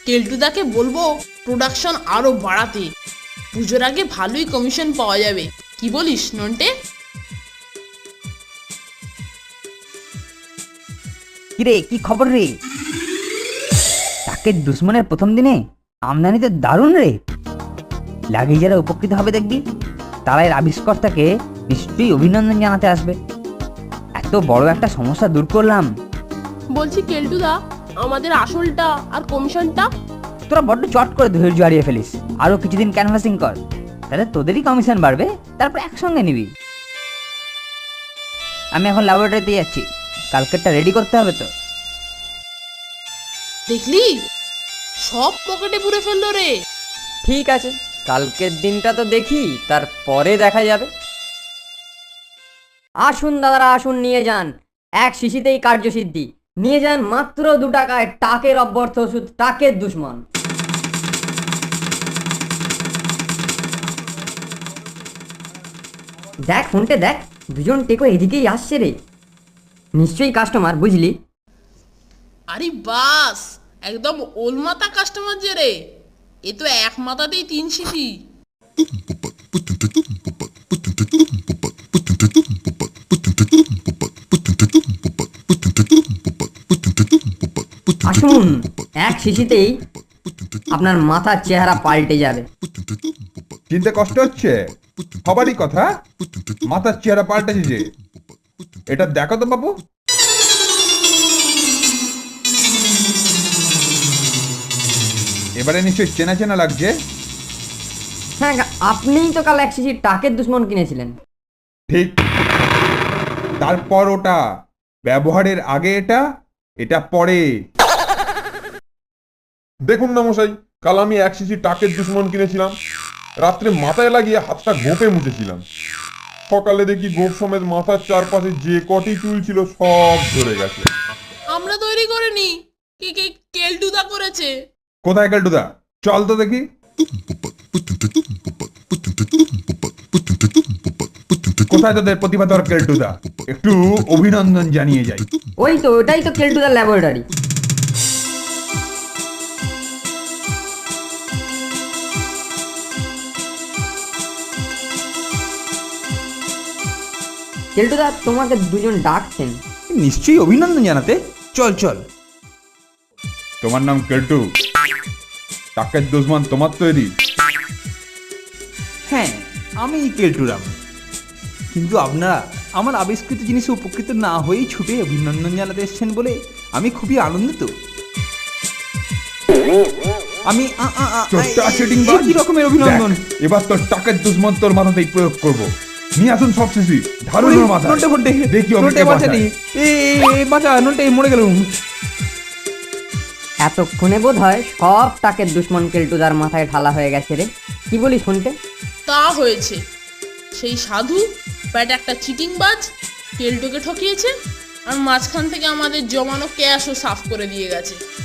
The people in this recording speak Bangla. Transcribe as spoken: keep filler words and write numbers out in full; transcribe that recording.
কেলটুদাকে বলবো প্রোডাকশন আরো বাড়াতে, পুজোর আগে ভালোই কমিশন পাওয়া যাবে। কি বলিস নন্টে? কিরে কি খবর রে? টাকের দুশ্মনের প্রথম দিনে আমদানিতে দারুণ রে। লাগে যারা উপকৃত হবে দেখবি, তারা এর আবিষ্কর্তাকে নিশ্চয়ই অভিনন্দন জানাতে আসবে। এত বড় একটা সমস্যা দূর করলাম। বলছি কেলটুদা, আমাদের আসলটা আর কমিশনটা? তোরা বড্ড চট করে ধৈর্য হারিয়ে ফেলিস। আরো কিছুদিন ক্যানভাসিং কর, তাহলে তোদেরই কমিশন বাড়বে, তারপর একসঙ্গে নিবি। আমি এখন ল্যাবরেটরিতে যাচ্ছি, কালকেরটা রেডি করতে হবে তো। দেখলি, সব পকেটে পুরে ফেললো রে। ঠিক আছে, কালকের দিনটা তো দেখি, তারপরে দেখা যাবে। আসুন দাদারা আসুন, নিয়ে যান, এক শিশিতেই কার্যসিদ্ধি। নিয়ে যান মাত্র দু টাকায় টাকের অব্যর্থ ওষুধ, টাকের দুশ্মন। দেখ ফোনটে দেখ, দুজন টেকো এদিকেই আসছে রে। নিশ্চয়ই কাস্টমার, বুঝলি? আরে বাস, একদম ওলমাতা কাস্টমার যে রে। এ তো এক মাথাতেই তিন শিশি। আসুন, এক শিশিতেই আপনার মাথার চেহারা পাল্টে যাবে। চিনতে কষ্ট হচ্ছে? সবারই কথা, মাথার চেহারা পাল্টেছে যে। এটা দেখো তো বাবু। এবারে নিশ্চয়ই চেনা চেনা লাগছে। হ্যাঁ, আপনিই তো কাল এক শিশি টাকের দুশ্মন কিনেছিলেন। ঠিক, তারপর ওটা ব্যবহারের আগে এটা, এটা পরে। দেখুন না মশাই, কাল আমি এক শিশি টাকের দুশ্মন কিনেছিলাম, রাত্রে মাথায় লাগিয়ে হাতটা গোপে মুছেছিলাম। সকালে দেখি গোপ সমেত মাথার চারপাশে যে কটি চুল ছিল সব ধরে গেছে। আমরা তৈরি করিনি, কে কে কেলটুদা করেছে। কোথায় কেলটুদা? চল তো দেখি। কোথায় তোদের প্রতিভাধর কেলটুদা? একটু অভিনন্দন জানিয়ে যাই। ওই তো, ওটাই তো কেলটুদার ল্যাবরেটরি। কেলটুদা, তোমাকে দুজন ডাকছেন। নিশ্চয়ই অভিনন্দন জানাতে। চল চল। তোমার নাম কেলটু, টাকের দুশ্মন তোমার তৈরি? হ্যাঁ, আমি কেলটুরাম। কিন্তু আপনারা আমার আবিষ্কৃত জিনিসে উপকৃত না হয়েই ছুটে অভিনন্দন জানাতে এসেছেন বলে আমি খুবই আনন্দিত। আমি আ- আ- আ- চোরটা সেটিং এ কি রকমের অভিনন্দন? দেখ, এবার তোর টাকের দুশ্মন তোর মাথাতেই প্রয়োগ করব। নিয়ে আসুন সব শিশি, ধারুন ওর মাথা। নন্টে ফন্টে, দেখি ওকে নন্টে কে বাঁচালি। বাঁচায়। এ এ, এ, বাঁচা নন্টে, মরে গেলুম। এতক্ষণে বোধ হয় সব টাকের দুশ্মন কেলটুদার মাথায় ঢালা হয়ে গেছে রে। কি বলি শুনতে? তা হয়েছে, সেই সাধু ব্যাট একটা চিটিংবাজ কেলটুকে ঠকিয়েছে, আর মাঝখান থেকে আমাদের জমানো ক্যাশও সাফ করে দিয়ে গেছে।